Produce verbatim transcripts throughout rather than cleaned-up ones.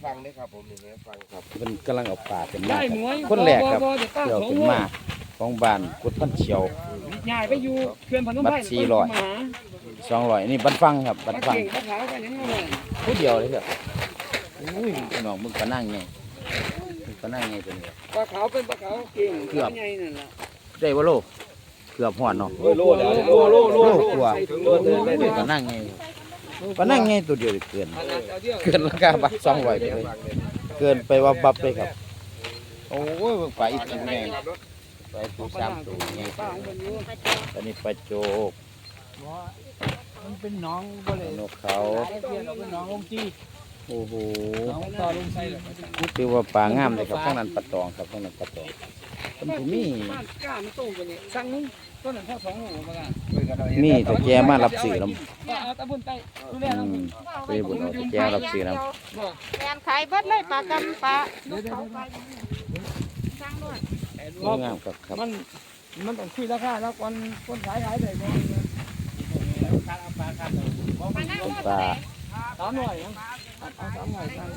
ฟังได้ครับผมนี่แม่ฟังครับเป็นกำลังเอาป่าเป็นมาได้ครับหมวยคนแรกครับบ่บ่บ่เดี๋ยวสองเป็นโลมาของบ้านกุดพันเชียวย้ายไปอยู่เขื่อนพนมไพรบัตรสี่ร้อยหาสองร้อยนี่บันฟังครับบันปลาฟังเก่งปลาขาวกันยังไงวะผู้เดียวเลยครับอุ้ยพี่น้องมึงก็นั่งไงมึงก็นั่งไงตัวนี้ปลาขาวเป็นปลาขาวเก่งเกือบใหญ่นั่นล่ะได้บ่โลเกือบหอดเนาะโลดแล้วโลโลโลโลโลกว่าถึงโลดเลยได้มึงก็นั่งไงก็นั่งไงตัวเดียวเกินขนาดเอาเดียวเกินราคาบัตรสองร้อยไปเลยเกินไปว่าบับเลยครับโอ้ยมึงไปอีกตัวไงไปตัวสามตัวไงปลาของมันอยู่ตอนนี้ปลาโจกมันเป็นหน้องบ่เลยนกเขาเทียนเอาเป็นหน้องลงจี้โอ้โหหน้องต่อลงใส่เลยนี่ถือว่าปลางามเลยครับข้างนั้นปลาตองครับข้างนั้นปลาตองมันผู้มีบ้านกล้ามันโตกว่านี้สั่งนึงต้นนั้นพอสองโลมากันมีตะแกมารับสื่อน้เอาตะบุญไปดูแลำอืน้องมไปบุญเอาตะแกรับสื่อน้บ่แมนขายเบิดเลยปลากำปลาลูกเขาไปสร้างด้วยำงามครับครับมันมันต้องคุยราคาแล้วคนคนขายขายได้บ่ปลาหน้าเป็นว่าปลาสามร้อยนะเอาสามร้อยสั่ง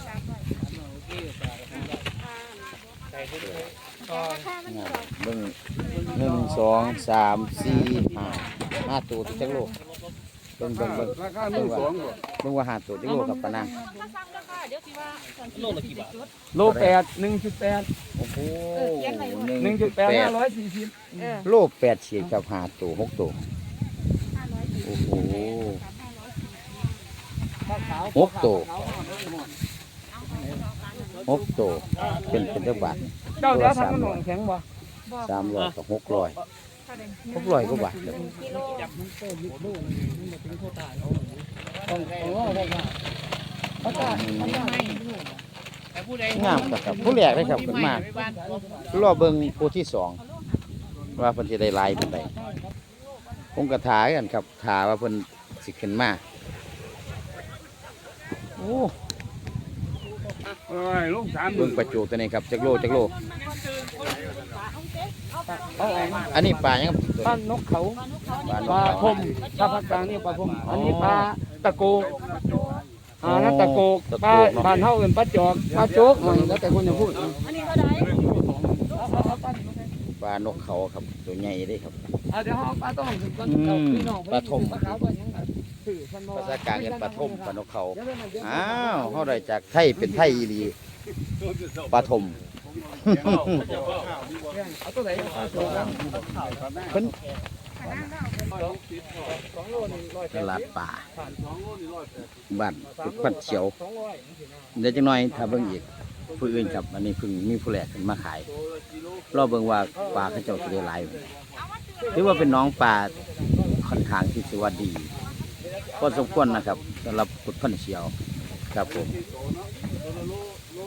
ราคามันงามเบิ่งหนึ่งสองสามสี่ห้าห้าตัวที่จักโลเบิ่งเบิ่งเบิ่งราคาหนึ่งสองบ่เบิ่งว่าห้าตัวจักโลกับปลานางถ้าสั่งราคาเดี๋ยวสิว่าโลละกี่บาทโลแปดหนึ่งจุดแปดโอ้โหหนึ่งจุดแปดห้าร้อยสี่สิบเออโลแปดฉีดกับห้าตัวหกตัวโอ้โห หกตัว หกตัวเป็นเป็นจักบาทเจ้าเดี๋ยวทำขนมแข็งบ่สามร้อยกับหกร้อยหกร้อยกว่าบาทครับกิโลต้องต้องรอได้ว่าประกาศประกาศงามครับครับผู้แรกเลยครับขึ้นมากรอเบิ่งผู้ที่สองว่าเพิ่นสิได้หลายปานใดผมก็ถากันครับถาว่าเพิ่นสิขึ้นมาโอ้เอ้ยลงสามเบิ่งปลาจูตัวนี้ครับจักโลจักโลเอาออกมาอันนี้ปลาหยังครับตัวบ้านี้นนกเขาปลานปลาก พเขามถ้าภาคกลางนี่ปลาพมอันนี้ปลาตะโกกอ่านั่นตะโกกปลาบ้านเฮาเอิ้นปลาจอกปลาโจกอ่าแล้วแต่คนจะพูดอันนี้เท่าไหร่ปลานกเขาครับตัวใหญ่เด้ครับอ่าเดี๋ยวเฮาปลาต้องถึงก่อนอืมพี่น้องปลาทมปลาขาวปลาหยังก็ซื้อพันบ่ภาษากลางเรียกปลาทมปลานกเขาเดี๋ยวเดี๋ยวเดี๋ยวอ้าวเฮาได้จากไทยเป็นไทยอีหลีปลาทมเอาตัวไหนปลาโจกครับเพิ่นสองโลนี่ร้อยตลาดป่าสองโลนี่ร้อยแปดบ้านกุดพันเขียวสองร้อยเดี๋ยวจังหน่อยถ้าเบิ่งอีกผู้อื่นครับอันนี้เพิ่งมีผู้แรกขึ้นมาขายรอเบิ่งว่าปลาเขาเจ้าสิได้หลายบ่ถือว่าเป็นน้องปลาค่อนข้างที่สิว่าดีพอสมควรนะครับสำหรับกุดพันเขียวครับผม